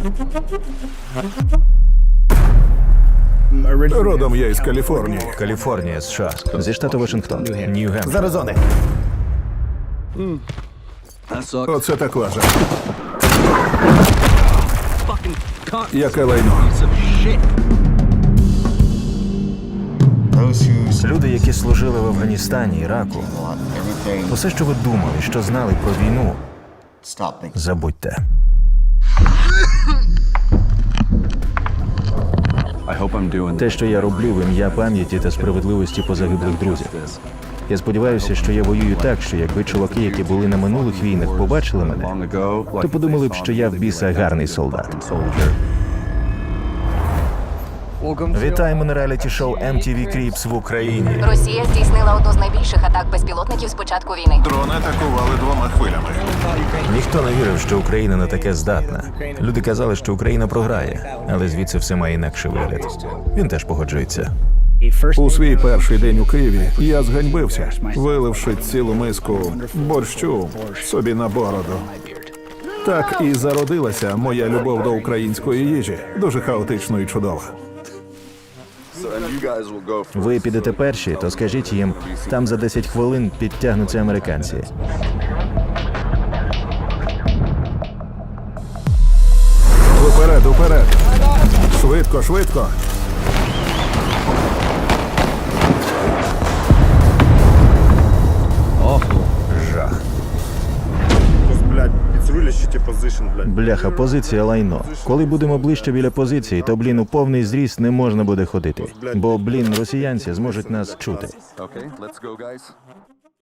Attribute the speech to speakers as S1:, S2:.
S1: Родом я із Каліфорнії.
S2: Каліфорнія, США. Зі штату Вашингтон. Нью-Гемпшир.
S1: З Аризони. Оце так лажа. Яке лайно.
S2: Люди, які служили в Афганістані, Іраку, усе, що ви думали, що знали про війну, забудьте. Те, що я роблю в ім'я пам'яті та справедливості позагиблих друзів. Я сподіваюся, що я воюю так, що якби чуваки, які були на минулих війнах, побачили мене, то подумали б, що я в біса гарний солдат. Вітаємо на реаліті-шоу MTV Cribs в Україні.
S3: Росія здійснила одну з найбільших атак безпілотників з початку війни.
S1: Дрони атакували 2 хвилями.
S2: Ніхто не вірив, що Україна на таке здатна. Люди казали, що Україна програє, але звідси все має інакший вигляд. Він теж погоджується.
S1: У свій перший день у Києві я зганьбився, виливши цілу миску борщу собі на бороду. Так і зародилася моя любов до української їжі. Дуже хаотично і чудова.
S2: Ви підете перші, то скажіть їм, там за 10 хвилин підтягнуться американці.
S1: Уперед, уперед! Швидко, швидко!
S2: Жах.
S4: Блядь, it's really shitty position, блядь.
S2: Бляха, позиція лайно. Коли будемо ближче біля позиції, то, у повний зріст не можна буде ходити. Бо, росіянці зможуть нас чути.
S5: Okay, let's go, guys.